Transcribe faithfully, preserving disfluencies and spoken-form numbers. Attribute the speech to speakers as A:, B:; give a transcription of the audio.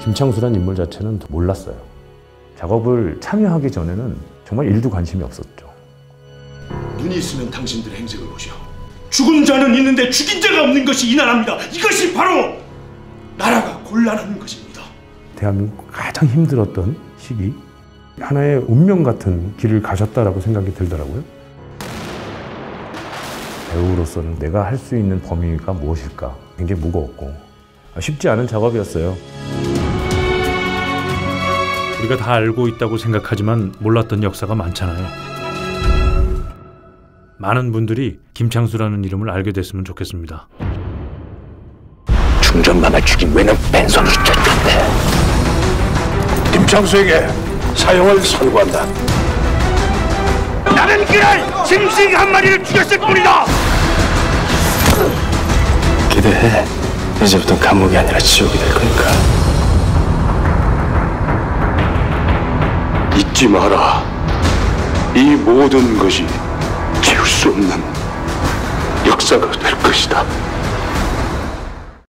A: 김창수란 인물 자체는 몰랐어요. 작업을 참여하기 전에는 정말 일도 관심이 없었죠.
B: 눈이 있으면 당신들의 행색을 보시오. 죽은 자는 있는데 죽인 자가 없는 것이 이 나라입니다. 이것이 바로 나라가 곤란한 것입니다.
A: 대한민국 가장 힘들었던 시기, 하나의 운명 같은 길을 가셨다라고 생각이 들더라고요. 배우로서는 내가 할 수 있는 범위가 무엇일까 굉장히 무거웠고 쉽지 않은 작업이었어요.
C: 우리가 다 알고 있다고 생각하지만 몰랐던 역사가 많잖아요. 많은 분들이 김창수라는 이름을 알게 됐으면 좋겠습니다.
D: 중전감을 죽인 외는 뺀손으로 쫓겼대. 김창수에게 사형을 선고한다. 나는 그날 짐승 한 마리를 죽였을 뿐이다. 기대해. 이제부터 감옥이 아니라 지옥이 될 거니까. 잊지 마라. 이 모든 것이 지울 수 없는 역사가 될 것이다.